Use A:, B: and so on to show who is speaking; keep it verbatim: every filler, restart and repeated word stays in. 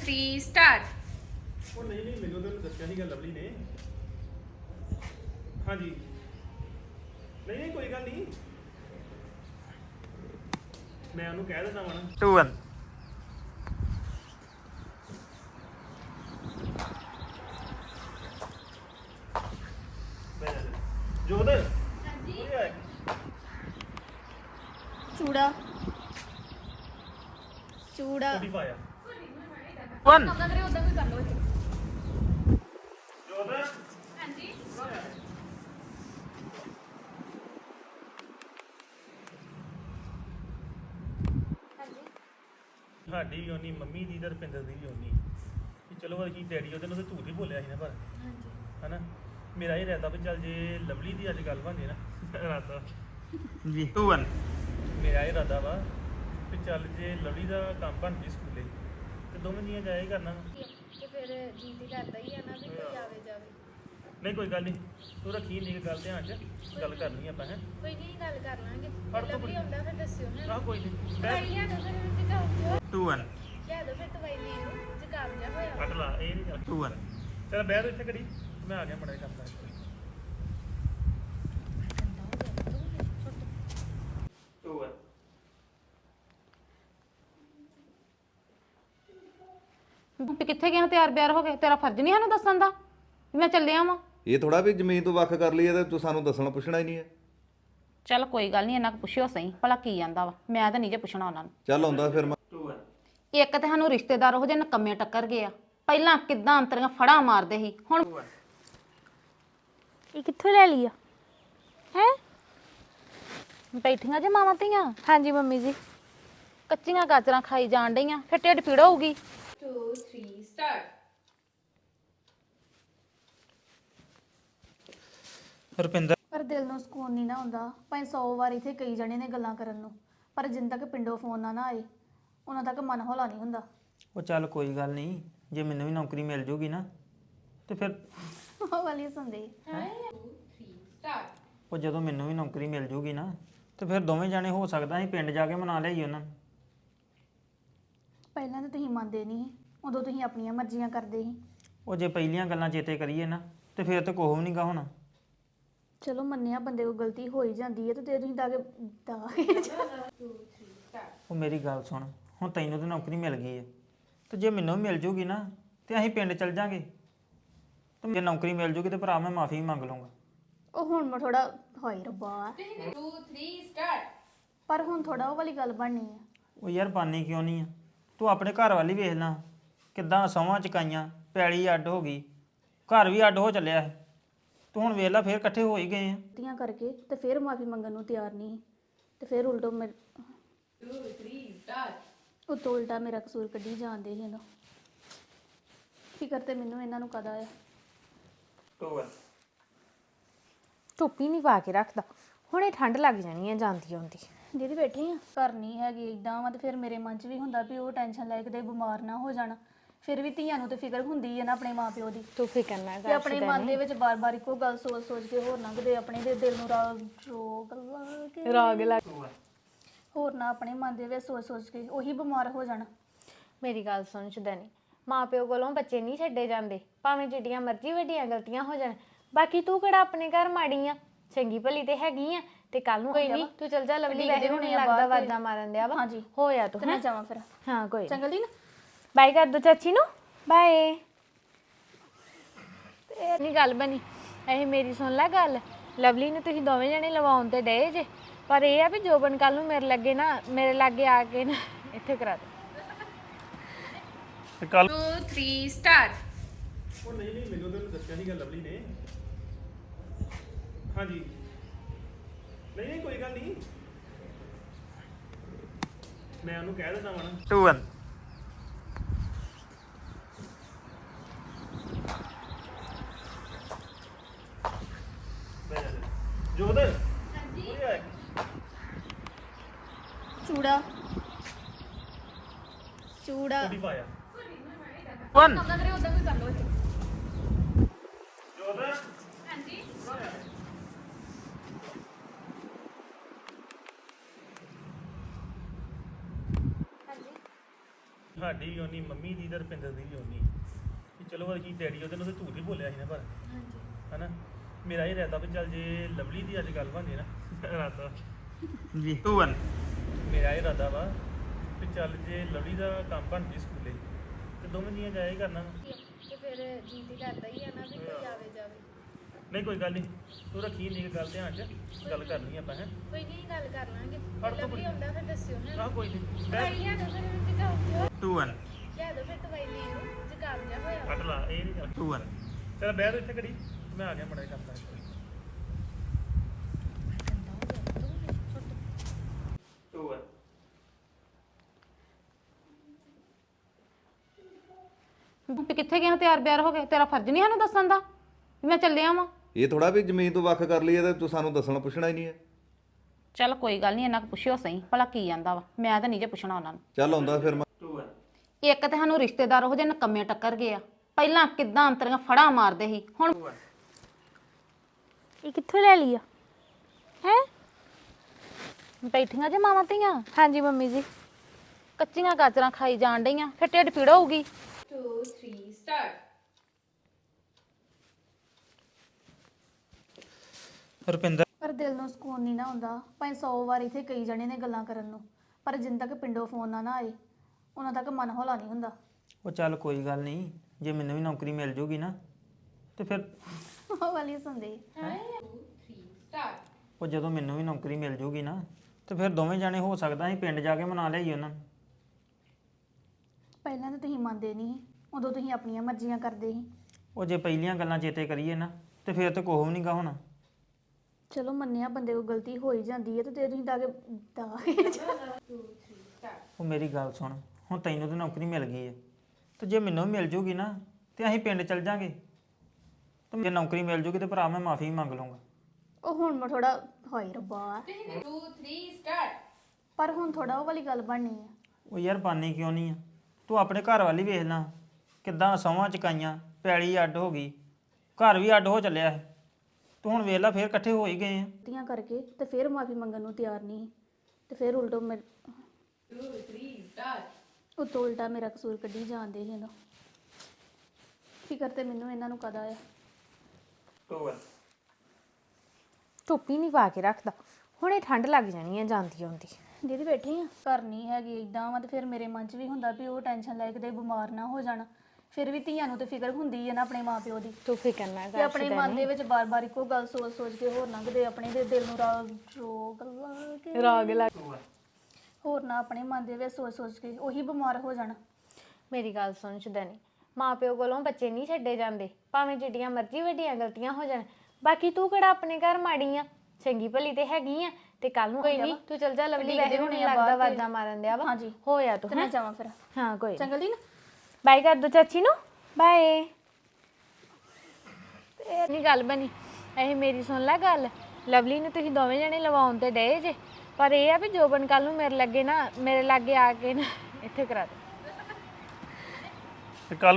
A: three start
B: ਉਹ ਨਹੀਂ ਨਹੀਂ ਮੈਨੂੰ ਤਾਂ ਦੱਸਿਆ ਸੀਗਾ ਲਵਲੀ ਨੇ ਹਾਂਜੀ ਨਹੀਂ ਨਹੀਂ ਕੋਈ ਗੱਲ ਨਹੀਂ ਮੈਂ ਉਹਨੂੰ ਕਹਿ ਦਿੰਦਾ ਵਾਂ
C: two one
B: ਜੋਦ
A: ਹਾਂਜੀ
D: ਚੂੜਾ ਚੂੜਾ
B: ਕਦੀ ਪਾਇਆ
C: one
A: ਕਮਲਾ ਕਰੇ ਉਦਾਂ ਵੀ ਕਰ ਲਓ
B: ਜੋਦ
A: ਹਾਂਜੀ
B: ਸਾਡੀ ਵੀ ਉਨੀ ਮੰਮੀ ਦੀ ਤੇ ਰਪਿੰਦਰ ਦੀ ਵੀ ਉਨੀ ਕਿ ਚਲੋ ਅਸੀਂ ਡੈਡੀ ਉਹਦੇ ਨੂੰ ਤਾਂ ਝੂਠ ਹੀ ਬੋਲਿਆ ਸੀ ਨਾ ਪਰ
A: ਹਾਂਜੀ
B: ਹਨਾ ਮੇਰਾ ਇਹ ਰਹਿਦਾ ਵੀ ਚੱਲ ਜੇ ਲਵਲੀ ਦੀ ਅੱਜ ਗੱਲ ਬਣ ਜੇ ਨਾ ਰਾਤਾ
C: ਜੀ two one
B: ਮੇਰਾ ਇਹ ਇਰਾਦਾ ਵਾ ਕਿ ਚੱਲ ਜੇ ਲਵਲੀ ਦਾ ਕੰਮ ਬਣ ਜੇ ਸਕੂਲੇ ਤੇ ਦੋਵੇਂ ਜੀਆਂ ਜਾਇਆ ਹੀ ਕਰਨਾ
D: ਤੇ ਫਿਰ ਜੀ ਤੇ ਕਰਦਾ ਹੀ ਆ ਨਾ ਵੀ ਕੋਈ ਆਵੇ ਜਾਵੇ
B: ਨਹੀਂ ਕੋਈ ਗੱਲ ਨਹੀਂ ਤੂੰ ਰੱਖੀ ਨਹੀਂ ਗੱਲ ਧਿਆਨ 'ਚ ਗੱਲ ਕਰਨੀ ਆਪਾਂ ਹੈ
D: ਕੋਈ ਨਹੀਂ ਗੱਲ ਕਰ ਲਾਂਗੇ
B: ਫੜ ਤੂੰ
D: ਲਵਲੀ ਆਉਂਦਾ ਫਿਰ ਦੱਸਿਓ ਹੈ
B: ਆਹ ਕੋਈ ਨਹੀਂ
D: ਦਵਾਈ ਲਿਆ ਦੋ ਫਿਰ ਜ਼ੁਕਾਮ ਜਿਹਾ
C: two one
D: ਲਿਆ ਦੋ ਫਿਰ ਦਵਾਈ ਲੈ ਲਓ ਜ਼ੁਕਾਮ ਜਿਹਾ ਹੋਇਆ
B: ਕੱਟ ਲਾ ਇਹ ਨਹੀਂ
C: two one
B: ਚੱਲ ਬਹਿ ਤੂੰ ਇੱਥੇ ਘੜੀ ਮੈਂ ਆ ਗਿਆ ਮੜਾ ਕੰਮ ਕਰਕੇ
C: two one
E: ਤੂੰ ਕਿੱਥੇ ਗਿਆ ਤਿਆਰ ਬਿਆਰ ਹੋ ਕੇ ਤੇਰਾ ਫਰਜ਼ ਨਹੀਂ ਸਾਨੂੰ ਦੱਸਣ ਦਾ ਵੀ ਮੈਂ ਚੱਲਿਆ ਵਾਂ
F: ਇਹ ਥੋੜਾ ਵੀ ਜ਼ਮੀਨ ਤੋਂ ਵੱਖ ਕਰ ਲਈਏ ਤੇ ਤੂੰ ਸਾਨੂੰ ਦੱਸਣਾ ਪੁੱਛਣਾ ਹੀ ਨਹੀਂ ਹੈ
E: ਚੱਲ ਕੋਈ ਗੱਲ ਨਹੀਂ ਇਹਨਾਂ ਕੋ ਪੁੱਛਿਓ ਸਹੀ ਭਲਾ ਕੀ ਜਾਂਦਾ ਵਾ ਮੈਂ ਤਾਂ ਨਹੀਂ ਜੇ ਪੁੱਛਣਾ ਉਹਨਾਂ ਨੂੰ
F: ਚੱਲ ਆਉਂਦਾ ਫਿਰ ਮੈਂ
C: two one
E: ਇੱਕ ਤੇ ਸਾਨੂੰ ਰਿਸ਼ਤੇਦਾਰ ਉਹ ਜਿਹੇ ਨਕੰਮੇ ਟੱਕਰ ਗਏ ਆ ਪਹਿਲਾਂ ਕਿੱਦਾਂ ਅੰਤਰੀਆਂ ਫੜਾ ਮਾਰਦੇ ਸੀ ਹੁਣ
D: ਇਹ ਕਿੱਥੋਂ ਲੈ ਲਈ ਆ ਹੈ
E: ਬੈਠੀਆਂ ਜੇ ਮਾਵਾਂ ਧੀਆਂ
D: ਹਾਂਜੀ ਮੰਮੀ ਜੀ
E: ਕੱਚੀਆਂ ਗਾਜਰਾਂ ਖਾਈ ਜਾਣ ਡਈਆਂ ਫਿਰ ਢਿੱਡ ਪੀੜ ਹੋਊਗੀ
A: two three start
C: ਰੁਪਿੰਦਰ
D: ਪਰ ਦਿਲ ਨੂੰ ਸਕੂਨ ਨਹੀਂ ਨਾ ਹੁੰਦਾ ਭਾਵੇਂ ਸੌ ਵਾਰ ਇੱਥੇ ਕਈ ਜਣੇ ਨੇ ਗੱਲਾਂ ਕਰਨ ਨੂੰ ਪਰ ਜਿੰਨ ਤੱਕ ਪਿੰਡੋਂ ਫੋਨ ਨਾ ਨਾ ਆਏ ਉਹਨਾਂ ਤੱਕ ਮਨ ਹੌਲਾ ਨਹੀਂ ਹੁੰਦਾ
C: ਉਹ ਚੱਲ ਕੋਈ ਗੱਲ ਨਹੀਂ ਜੇ ਮੈਨੂੰ ਵੀ ਨੌਕਰੀ ਮਿਲ ਜੂਗੀ ਨਾ ਤੇ ਫਿਰ
D: ਉਹ ਵਾਲੀ ਸੁਣਦੇ
A: three start
C: ਉਹ ਜਦੋਂ ਮੈਨੂੰ ਵੀ ਨੌਕਰੀ ਮਿਲ ਜੂਗੀ ਨਾ ਤੇ ਫਿਰ ਦੋਵੇਂ ਜਾਣੇ ਹੋ ਸਕਦਾ ਅਸੀਂ ਪਿੰਡ ਜਾ ਕੇ ਮਨਾ ਲਿਆਈ ਉਹਨਾਂ ਨੂੰ
D: ਪਹਿਲਾਂ ਤਾਂ ਤੁਸੀਂ ਮੰਨਦੇ ਨਹੀਂ ਸੀ, ਉਦੋਂ ਤੁਸੀਂ ਆਪਣੀਆਂ ਮਰਜ਼ੀਆਂ ਕਰਦੇ ਸੀ
C: ਉਹ ਜੇ ਪਹਿਲੀਆਂ ਗੱਲਾਂ ਚੇਤੇ ਕਰੀਏ ਨਾ ਤੇ ਫਿਰ ਤੇ ਕੋਹ ਵੀ ਨਹੀਂਗਾ ਹੋਣਾ
D: ਚਲੋ ਮੰਨਿਆ ਬੰਦੇ ਕੋਲ ਗਲਤੀ ਹੋ ਹੀ ਜਾਂਦੀ ਹੈ ਤੇ ਤੇ ਤੁਸੀਂ ਤਾਂ
C: ਉਹ ਮੇਰੀ ਗੱਲ ਸੁਣ ਹੁਣ ਤੈਨੂੰ ਤਾਂ ਨੌਕਰੀ ਮਿਲ ਗਈ ਹੈ ਤੇ ਜੇ ਮੈਨੂੰ ਵੀ ਮਿਲ ਜੂਗੀ ਨਾ ਤੇ ਅਸੀਂ ਪਿੰਡ ਚੱਲ ਜਾਾਂਗੇ ਤੇ ਜੇ ਨੌਕਰੀ ਮਿਲ ਜੂਗੀ ਤੇ ਭਰਾ ਮੈਂ ਮਾਫੀ ਮੰਗ ਲਵਾਂਗਾ
D: ਉਹ ਹੁਣ ਮੈਂ ਥੋੜਾ ਹੋਈ ਰੱਬਾ
A: two three start
D: ਪਰ ਹੁਣ ਥੋੜਾ ਉਹ ਵਾਲੀ ਗੱਲ ਬਣਨੀ ਹੈ
C: ਉਹ ਯਾਰ ਬਾਨੀ ਕਿਉਂ ਨਹੀਂ ਆ ਤੂੰ ਆਪਣੇ ਘਰ ਵਾਲੀ ਵੇਖ ਲੈ ਕਿੱਦਾਂ ਸੌਵਾਂ ਚਕਾਈਆਂ ਪੈਲੀ ਅੱਡ ਹੋ ਗਈ ਘਰ ਵੀ ਅੱਡ ਹੋ ਚੱਲਿਆ ਹੈ ਤੂੰ ਹੁਣ ਵੇਖ ਲੈ ਫੇਰ ਇਕੱਠੇ ਹੋ ਹੀ ਗਏ ਆ
D: ਗਲਤੀਆਂ ਕਰਕੇ ਤੇ ਫਿਰ ਮਾਫੀ ਮੰਗਣ ਨੂੰ ਤਿਆਰ ਨਹੀਂ ਸੀ ਤੇ ਫਿਰ ਉਲਟੋ ਮੇਰੇ
A: two three start
D: ਉਤੋਂ ਉਲਟਾ ਮੇਰਾ ਕਸੂਰ ਕੱਢੀ ਜਾਂਦੇ ਸੀ ਇਹਨਾਂ ਫਿਕਰ ਤੇ ਮੈਨੂੰ ਇਹਨਾਂ ਨੂੰ ਕਦਾ ਆ
C: ਟੂ
G: ਟੋਪੀ ਨਹੀਂ ਪਾ ਕੇ ਰੱਖਦਾ ਹੁਣੇ ਠੰਡ ਲੱਗ ਜਾਣੀ ਹੈ ਜਾਂਦੀ ਆਉਂਦੀ
D: ਦੀਦੀ ਬੈਠੇ ਆ ਘਰ ਨਹੀਂ ਹੈਗੀ ਇਦਾਂ ਵਾ ਤੇ ਫਿਰ ਮੇਰੇ ਮਨ 'ਚ ਵੀ ਹੁੰਦਾ ਵੀ ਉਹ ਟੈਨਸ਼ਨ ਲੈ ਕੇ ਤੇ ਬਿਮਾਰ ਨਾ ਹੋ ਜਾਣਾ ਫਿਰ ਵੀ ਧੀਆਂ ਨੂੰ ਤੇ ਫਿਕਰ ਹੁੰਦੀ ਹੈ ਨਾ ਆਪਣੇ ਮਾਪਿਓ ਦੀ
G: ਤੂੰ ਫਿਕਰ ਨਾ
D: ਤੇ
G: ਕਰ
D: ਆਪਣੇ ਮਨ ਦੇ ਵਿੱਚ ਬਾਰ-ਬਾਰ ਇੱਕੋ ਗੱਲ ਸੋਚ-ਸੋਚ ਕੇ ਹੋਰ ਲੰਘਦੇ ਆਪਣੇ ਦੇ ਦਿਲ ਨੂੰ ਰਾਗ ਰੋਗ ਲਾ ਕੇ
G: ਰਾਗ ਲੱਗ
D: ਹੋਰ ਨਾ ਆਪਣੇ ਮਨ ਦੇ ਵਿੱਚ ਸੋਚ-ਸੋਚ ਕੇ ਉਹੀ ਬਿਮਾਰ ਹੋ ਜਾਣਾ
G: ਮੇਰੀ ਗੱਲ ਸੁਣ ਚੁਦਨੀ ਮਾਪਿਓ ਕੋਲੋਂ ਬੱਚੇ ਨਹੀਂ ਛੱਡੇ ਜਾਂਦੇ ਭਾਵੇਂ ਜਿੱਡੀਆਂ ਮਰਜ਼ੀ ਵੱਡੀਆਂ ਗਲਤੀਆਂ ਹੋ ਜਾਣ ਬਾਕੀ ਤੂੰ ਕਿਹੜਾ ਆਪਣੇ ਘਰ ਮਾੜੀ ਆ ਚੰਗੀ ਭਲੀ ਤੇ ਹੈਗੀ ਆ ਤੇ ਕੱਲ ਨੂੰ ਕੋਈ ਨਹੀਂ ਤੂੰ ਚੱਲ ਜਾ ਲਵਲੀ ਵੈਸੇ ਵੀ ਮੈਨੂੰ ਲੱਗਦਾ ਵਾਜਾ ਮਾਰਨ ਦਿਆ ਵਾ
D: ਹਾਂਜੀ
G: ਹੋਇਆ ਤੂੰ
D: ਤੇ ਮੈਂ ਜਾਵਾਂ ਫਿਰ
G: ਹਾਂ ਕੋਈ
D: ਚੰਗਾ ਦੀ ਨਾ
G: ਬਾਈ ਕਰ ਦੋ ਚਾਚੀ ਨੂੰ ਬਾਏ ਤੇ ਨਹੀਂ ਗੱਲ ਬਣੀ ਇਹ ਮੇਰੀ ਸੁਣ ਲੈ ਗੱਲ ਲਵਲੀ ਨੂੰ ਤੁਸੀਂ ਦੋਵੇਂ ਜਣੇ ਲਵਾਉਣ ਤੇ ਡਏ ਜੇ ਪਰ ਇਹ ਆ ਵੀ ਜੋਬਨ ਕੱਲ ਨੂੰ ਮੇਰੇ ਲੱਗੇ ਨਾ ਮੇਰੇ ਲਾਗੇ ਆ ਕੇ ਨਾ ਇੱਥੇ ਕਰਾ ਦੇ
B: ਕੱਲ
A: two three start
B: ਉਹ ਨਹੀਂ ਨਹੀਂ ਮੈਨੂੰ ਤਾਂ ਦੱਸਿਆ ਸੀਗਾ ਲਵਲੀ ਨੇ ਹਾਂਜੀ ਨਹੀਂ ਨਹੀਂ ਕੋਈ ਗੱਲ ਨਹੀਂ ਮੈਂ ਉਹਨੂੰ ਕਹਿ ਦਿੰਦਾ ਵਾਂ
C: two one
B: ਜੋਦ
A: ਹਾਂਜੀ
D: ਚੂੜਾ ਚੂੜਾ
B: ਕਦੀ ਪਾਇਆ
C: one
A: ਕਮਲਾ ਕਰੇ ਉਦਾਂ ਵੀ ਕਰ ਲਓ
B: ਜੋਦ
A: ਹਾਂਜੀ
B: ਸਾਡੀ ਵੀ ਉਨੀ ਮੰਮੀ ਦੀ ਤੇ ਰੁਪਿੰਦਰ ਦੀ ਵੀ ਉਨੀ ਕਿ ਚਲੋ ਅਸੀਂ ਡੈਡੀ ਉਹਦੇ ਨੂੰ ਤਾਂ ਝੂਠ ਹੀ ਬੋਲਿਆ ਸੀ ਨਾ ਪਰ ਹਾਂਜੀ ਹਨਾ ਮੇਰਾ ਇਹ ਇਰਾਦਾ ਵੀ ਚੱਲ ਜੇ ਲਵਲੀ ਦੀ ਅੱਜ ਗੱਲ ਬਣਦੀ ਨਾ ਇਰਾਦਾ
C: ਜੀ ਟੂ ਵਨ
B: ਮੇਰਾ ਇਹ ਇਰਾਦਾ ਵਾ ਵੀ ਚੱਲ ਜੇ ਲਵਲੀ ਦਾ ਕੰਮ ਬਣ ਜੇ ਸਕੂਲੇ ਤੇ ਦੋਵੇਂ ਜੀਆਂ ਜਾਇਆ ਹੀ ਕਰਨਾ
G: ਤੇ ਫਿਰ ਜੀ ਤੇ ਕਰਦਾ ਹੀ ਆ ਨਾ ਵੀ ਕੋਈ ਆਵੇ ਜਾਵੇ
B: ਨਹੀਂ ਕੋਈ ਗੱਲ ਨਹੀਂ ਤੂੰ ਰੱਖੀ ਨਹੀਂ ਗੱਲ ਧਿਆਨ 'ਚ ਗੱਲ ਕਰਨੀ ਆਪਾਂ ਹੈ
G: ਕੋਈ ਨਹੀਂ ਗੱਲ ਕਰ ਲਾਂਗੇ
B: ਫੜ ਤੋਂ
G: ਲਵਲੀ ਆਉਂਦਾ ਫਿਰ ਦੱਸਿਓ ਹੈ
B: ਆਹ ਕੋਈ ਨਹੀਂ
G: ਦਵਾਈ ਲਿਆ ਦੋ ਫਿਰ ਜ਼ੁਕਾਮ ਜਿਹਾ
C: ਟੂ ਵਨ
G: ਲਿਆ ਦੋ ਫਿਰ ਦਵਾਈ ਲੈ ਲਓ ਜ਼ੁਕਾਮ ਜਿਹਾ ਹੋਇਆ
B: ਕੱਟ ਲਾ ਇਹ ਨਹੀਂ ਗੱਲ
C: ਟੂ ਵਨ
B: ਚਲ ਬਹਿ ਤੂੰ ਇੱਥੇ ਕੜੀ ਮੈਂ ਆ ਗਿਆ ਮੜਾ ਕੰਮ ਕਰ
C: ਟੂ ਵਨ
E: ਵੀ ਕਿੱਥੇ ਗਿਆ ਤਿਆਰ ਬਿਆਰ ਹੋ ਕੇ ਤੇਰਾ ਫਰਜ਼ ਨਹੀਂ ਸਾਨੂੰ ਦੱਸਣ ਦਾ ਵੀ ਮੈਂ ਚੱਲਿਆ ਵਾਂ
F: ਇਹ ਥੋੜਾ ਵੀ ਜ਼ਮੀਨ ਤੋਂ ਵੱਖ ਕਰ ਲਈਏ ਤੇ ਤੂੰ ਸਾਨੂੰ ਦੱਸਣਾ ਪੁੱਛਣਾ ਹੀ ਨਹੀਂ ਹੈ।
E: ਚੱਲ ਕੋਈ ਗੱਲ ਨਹੀਂ ਇਹਨਾਂ ਕੋ ਪੁੱਛਿਓ ਸਹੀ ਭਲਾ ਕੀ ਜਾਂਦਾ ਵਾ ਮੈਂ ਤਾਂ ਨਹੀਂ ਜੇ ਪੁੱਛਣਾ ਉਹਨਾਂ ਨੂੰ
F: ਚੱਲ ਆਉਂਦਾ ਫਿਰ ਮੈਂ
C: ਟੂ ਵਨ
E: ਇੱਕ ਤੇ ਸਾਨੂੰ ਰਿਸ਼ਤੇਦਾਰ ਉਹ ਜਿਹੇ ਨਕੰਮੇ ਟੱਕਰ ਗਏ ਆ ਪਹਿਲਾਂ ਕਿੱਦਾਂ ਅੰਤਰੀਆਂ ਫੜਾ ਮਾਰਦੇ ਸੀ ਹੁਣ
G: ਇਹ ਕਿੱਥੋਂ ਲੈ ਲਈ ਆ ਹੈ
E: ਬੈਠੀਆਂ ਜੇ ਮਾਵਾਂ ਧੀਆਂ
G: ਹਾਂਜੀ ਮੰਮੀ ਜੀ
E: ਕੱਚੀਆਂ ਗਾਜਰਾਂ ਖਾਈ ਜਾਣ ਡਈਆਂ ਫਿਰ ਢਿੱਡ ਪੀੜ ਹੋਊਗੀ
A: two three start
C: ਰੁਪਿੰਦਰ
D: ਪਰ ਦਿਲ ਨੂੰ ਸਕੂਨ ਨਹੀਂ ਨਾ ਹੁੰਦਾ ਭਾਵੇਂ ਸੌ ਵਾਰ ਇੱਥੇ ਕਈ ਜਣੇ ਨੇ ਗੱਲਾਂ ਕਰਨ ਨੂੰ ਪਰ ਜਿੰਨ ਤੱਕ ਪਿੰਡੋਂ ਫੋਨ ਨਾ ਨਾ ਆਏ ਉਹਨਾਂ ਤੱਕ ਮਨ ਹੌਲਾ ਨਹੀਂ ਹੁੰਦਾ।
C: ਉਹ ਚੱਲ ਕੋਈ ਗੱਲ ਨਹੀਂ ਜੇ ਮੈਨੂੰ ਵੀ ਨੌਕਰੀ ਮਿਲ ਜੂਗੀ ਨਾ ਤੇ ਫਿਰ
D: ਉਹ ਵਾਲੀ ਸੁਣਦੇ
C: ਉਹ ਜਦੋਂ ਮੈਨੂੰ ਵੀ ਨੌਕਰੀ ਮਿਲ ਜੂਗੀ ਨਾ ਤੇ ਫਿਰ ਦੋਵੇਂ ਜਾਣੇ ਹੋ ਸਕਦਾ ਅਸੀਂ ਪਿੰਡ ਜਾ ਕੇ ਮਨਾ ਲਿਆਈ ਉਹਨਾਂ ਨੂੰ।
D: ਪਹਿਲਾਂ ਤਾਂ ਤੁਸੀਂ ਮੰਨਦੇ ਨਹੀਂ ਸੀ, ਉਦੋਂ ਤੁਸੀਂ ਆਪਣੀਆਂ ਮਰਜ਼ੀਆਂ ਕਰਦੇ ਸੀ।
C: ਉਹ ਜੇ ਪਹਿਲੀਆਂ ਗੱਲਾਂ ਚੇਤੇ ਕਰੀਏ ਨਾ ਤੇ ਫਿਰ ਤੇ ਕੋਹ ਵੀ ਨਹੀਂਗਾ ਹੋਣਾ।
D: ਚਲੋ ਮੰਨਿਆ ਬੰਦੇ ਕੋਲ ਗਲਤੀ ਹੋ ਹੀ ਜਾਂਦੀ ਹੈ ਤੇ ਤੇ ਤੁਸੀਂ ਦਾਗੇ ਦਾ
C: ਉਹ ਮੇਰੀ ਗੱਲ ਸੁਣ ਹੁਣ ਤੈਨੂੰ ਤਾਂ ਨੌਕਰੀ ਮਿਲ ਗਈ ਹੈ ਤੇ ਜੇ ਮੈਨੂੰ ਵੀ ਮਿਲ ਜੂਗੀ ਨਾ ਤੇ ਅਸੀਂ ਪਿੰਡ ਚੱਲ ਜਾਾਂਗੇ ਤੇ ਜੇ ਨੌਕਰੀ ਮਿਲ ਜੂਗੀ ਤੇ ਭਰਾ ਮੈਂ ਮਾਫੀ ਮੰਗ ਲਵਾਂਗਾ।
D: ਉਹ ਹੁਣ ਮੈਂ ਥੋੜਾ ਹੋਈ ਰੱਬਾ
A: two three start
D: ਪਰ ਹੁਣ ਥੋੜਾ ਉਹ ਵਾਲੀ ਗੱਲ ਬਣਨੀ ਹੈ।
C: ਉਹ ਯਾਰ ਬਾਨੀ ਕਿਉਂ ਨਹੀਂ ਆ ਤੂੰ ਆਪਣੇ ਘਰ ਵਾਲੀ ਵੇਖ ਲੈ ਕਿੱਦਾਂ ਸੌਵਾਂ ਚਕਾਈਆਂ ਪੈਲੀ ਅੱਡ ਹੋ ਗਈ ਘਰ ਵੀ ਅੱਡ ਹੋ ਚੱਲਿਆ ਹੈ ਤੂੰ ਹੁਣ ਵੇਖ ਲੈ ਫੇਰ ਇਕੱਠੇ ਹੋ ਹੀ ਗਏ ਆ।
D: ਗਲਤੀਆਂ ਕਰਕੇ ਤੇ ਫਿਰ ਮਾਫੀ ਮੰਗਣ ਨੂੰ ਤਿਆਰ ਨਹੀਂ ਸੀ ਤੇ ਫਿਰ ਉਲਟੋ ਮੈਂ
A: two three start
D: ਉਤੋਂ ਉਲਟਾ ਮੇਰਾ ਕਸੂਰ ਕੱਢੀ ਜਾਂਦੇ ਸੀ ਇਹਨੂੰ ਫਿਕਰ ਤੇ ਮੈਨੂੰ ਇਹਨਾਂ ਨੂੰ ਕਦਾ ਆ।
G: ਟੋਪੀ ਨਹੀਂ ਪਾ ਕੇ ਰੱਖਦਾ ਹੁਣੇ ਠੰਡ ਲੱਗ ਜਾਣੀ ਹੈ ਜਾਂਦੀ ਆਉਂਦੀ
D: ਦੀਦੀ ਬੈਠੇ ਆ ਘਰ ਨਹੀਂ ਹੈਗੀ ਇਦਾਂ ਵਾ ਤੇ ਫਿਰ ਮੇਰੇ ਮਨ 'ਚ ਵੀ ਹੁੰਦਾ ਵੀ ਉਹ ਟੈਨਸ਼ਨ ਲੈ ਕੇ ਤੇ ਬਿਮਾਰ ਨਾ ਹੋ ਜਾਣ ਫਿਰ ਵੀ ਧੀਆਂ ਨੂੰ ਤੇ ਫਿਕਰ ਹੁੰਦੀ ਹੈ ਨਾ ਆਪਣੇ ਮਾਪਿਓ ਦੀ
G: ਤੂੰ ਫਿਕਰ ਨਾ
D: ਤੇ
G: ਕਰ
D: ਆਪਣੇ ਮਨ ਦੇ ਵਿੱਚ ਬਾਰ-ਬਾਰ ਇੱਕੋ ਗੱਲ ਸੋਚ-ਸੋਚ ਕੇ ਹੋਰ ਲੰਘਦੇ ਆਪਣੇ ਦੇ ਦਿਲ ਨੂੰ ਰਾਗ ਰੋਗ ਲਾ ਕੇ
G: ਰਾਗ ਲੱਗ
D: ਹੋਰ ਨਾ ਆਪਣੇ ਮਨ ਦੇ ਵਿੱਚ ਸੋਚ-ਸੋਚ ਕੇ ਉਹੀ ਬਿਮਾਰ ਹੋ ਜਾਣ।
G: ਮੇਰੀ ਗੱਲ ਸੁਣ ਚੁਦਨੀ ਮਾਪਿਓ ਕੋਲੋਂ ਬੱਚੇ ਨਹੀਂ ਛੱਡੇ ਜਾਂਦੇ ਭਾਵੇਂ ਜਿੱਡੀਆਂ ਮਰਜ਼ੀ ਵੱਡੀਆਂ ਗਲਤੀਆਂ ਹੋ ਜਾਣ ਬਾਕੀ ਤੂੰ ਕਿਹੜਾ ਆਪਣੇ ਘਰ ਮਾੜੀ ਆ ਚੰਗੀ ਭਲੀ ਤੇ ਹੈਗੀ ਆ ਤੇ ਕੱਲ ਨੂੰ ਕੋਈ ਨਹੀਂ ਤੂੰ ਚੱਲ ਜਾ ਲਵਲੀ ਵੈਸੇ ਹੁਣ ਲੱਗਦਾ ਵਾਜਾ ਮਾਰਨ ਦਿਆ ਵਾ
D: ਹਾਂਜੀ
G: ਹੋਇਆ ਤੂੰ
D: ਤੇ ਮੈਂ ਜਾਵਾਂ ਫਿਰ
G: ਹਾਂ ਕੋਈ
D: ਚੰਗਾ ਦੀ ਨਾ
G: ਬਾਈ ਕਰ ਦੋ ਚਾਚੀ ਨੂੰ ਬਾਏ ਤੇ ਨਹੀਂ ਗੱਲ ਬਣੀ ਇਹ ਮੇਰੀ ਸੁਣ ਲੈ ਗੱਲ ਲਵਲੀ ਨੂੰ ਤੁਸੀਂ ਦੋਵੇਂ ਜਣੇ ਲਵਾਉਣ ਤੇ ਡਏ ਜੇ ਪਰ ਇਹ ਆ ਵੀ ਜੋਬਨ ਕੱਲ ਨੂੰ ਮੇਰੇ ਲੱਗੇ ਨਾ ਮੇਰੇ ਲਾਗੇ ਆ ਕੇ ਨਾ ਇੱਥੇ ਕਰਾ ਦੇ
B: ਕੱਲ